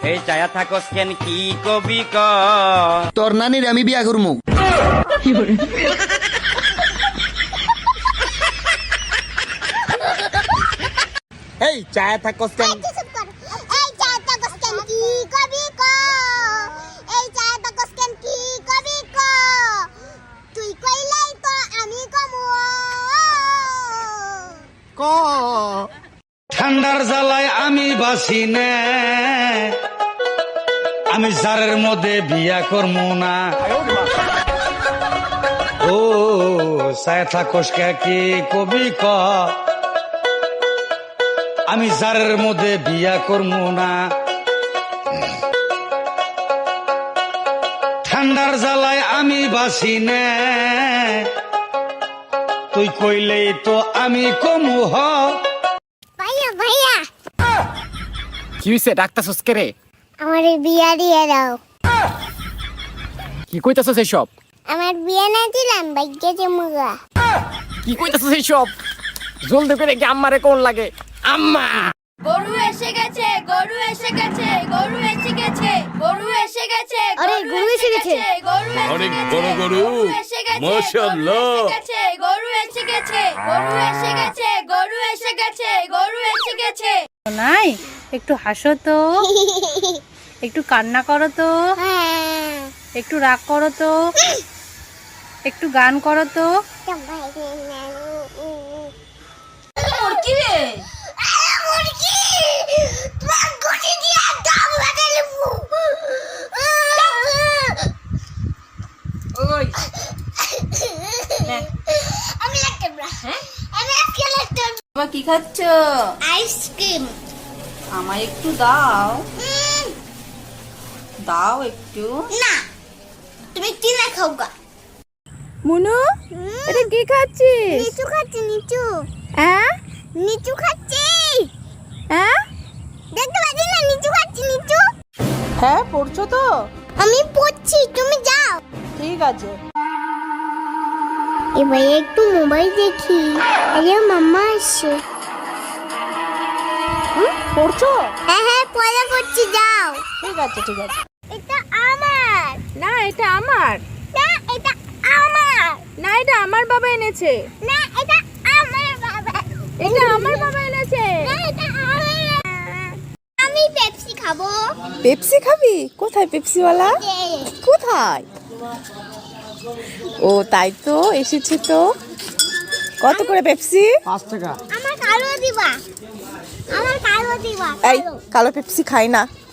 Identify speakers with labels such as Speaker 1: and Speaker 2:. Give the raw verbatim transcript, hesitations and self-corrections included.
Speaker 1: এই চায়া থাকস কেন কি কবি ক
Speaker 2: তোর নানির আমি বিয়া করমু।
Speaker 1: এই চায়া থাকস কেন
Speaker 3: এই চায়া থাকস কেন কি কবি ক এই চায়া থাকস কেন কি কবি ক তুই কইলাই তো আমি কমু
Speaker 2: ক
Speaker 4: ঠান্ডার জ্বালায় আমি বাসি নে, আমি জারের মধ্যে বিয়া করমু না। ও সায় থাকস কি কবি ক আমি জারের মধ্যে বিয়া করমু না। ঠান্ডার জ্বালায় আমি বাসি নে, তুই কইলেই তো আমি কমু হ।
Speaker 3: ভাইয়া ভাইয়া
Speaker 5: কি হইছে ডাক্তারছস কে রে?
Speaker 3: আমার বিয়া দিয়ে দাও।
Speaker 5: কি কইতাছস এইসব?
Speaker 3: আমার বিয়া না দিলাম ভাগ্যে জমুগা।
Speaker 5: কি কইতাছস এইসব? জলদি করে কি আম্মারে কোন লাগে? আম্মা
Speaker 6: গরু এসে গেছে, গরু এসে গেছে, গরু এসে গেছে, গরু এসে গেছে,
Speaker 3: আরে, গরু এসে গেছে।
Speaker 6: গরু এসে
Speaker 7: অনেক
Speaker 6: গেছে,
Speaker 7: বড় গরু।
Speaker 6: এসে গেছে,
Speaker 7: মাশাআল্লাহ।
Speaker 6: গরু এসে গেছে, গরু এসে গেছে, গরু এসে গেছে, গরু এসে গেছে, গরু এসে গেছে।
Speaker 8: নাই একটু হাসো তো, একটু কান্না করো তো,
Speaker 3: হ্যাঁ
Speaker 8: একটু রাগ করো তো, একটু গান করো তো।
Speaker 6: মুরগি রে,
Speaker 3: মুরগি তোমার গটি দিয়ে দাম লাগাই দেবো।
Speaker 6: ওই
Speaker 3: আমি লাগতে না হ্যাঁ আমি আজকে লাগতে
Speaker 6: বাবা কি খাচ্ছ?
Speaker 3: আইসক্রিম।
Speaker 6: আমায় একটু দাও, দাও একটু।
Speaker 3: না তুমি কিনা খাও গা।
Speaker 8: মুনু এটা কি খাচ্ছিস?
Speaker 3: নিচু খাচ্ছি নিচু
Speaker 8: হ্যাঁ
Speaker 3: নিচু খাচ্ছি।
Speaker 8: হ্যাঁ
Speaker 3: দেখতে পাচ্ছি না নিচু খাচ্ছি নিচু।
Speaker 8: হ্যাঁ পড়ছো তো?
Speaker 3: আমি পড়ছি তুমি যাও।
Speaker 8: ঠিক আছে।
Speaker 3: এবার একটু মোবাইল দেখি। আরে মাম্মা আসছে।
Speaker 8: পড়ছো?
Speaker 3: হ্যাঁ হ্যাঁ পড়া করছি যাও।
Speaker 8: ঠিক আছে ঠিক আছে।
Speaker 3: এটা আমার।
Speaker 8: না এটা আমার।
Speaker 3: না এটা আমার।
Speaker 8: না এটা আমার বাবা এনেছে।
Speaker 3: না এটা আমার বাবা।
Speaker 8: এটা আমার বাবা এনেছে।
Speaker 3: না এটা আমার। আমি পেপসি খাবো।
Speaker 8: পেপসি খাবি? কোথায় পেপসিওয়ালা?
Speaker 3: এই,
Speaker 8: কোথায়? ও তাই তো এসেছে তো। কত করে পেপসি?
Speaker 2: পাঁচ টাকা।
Speaker 3: আমার কালো দিবা। আমার কালো দিবা।
Speaker 8: এই
Speaker 3: কালো।
Speaker 8: কালো পেপসি খাই না।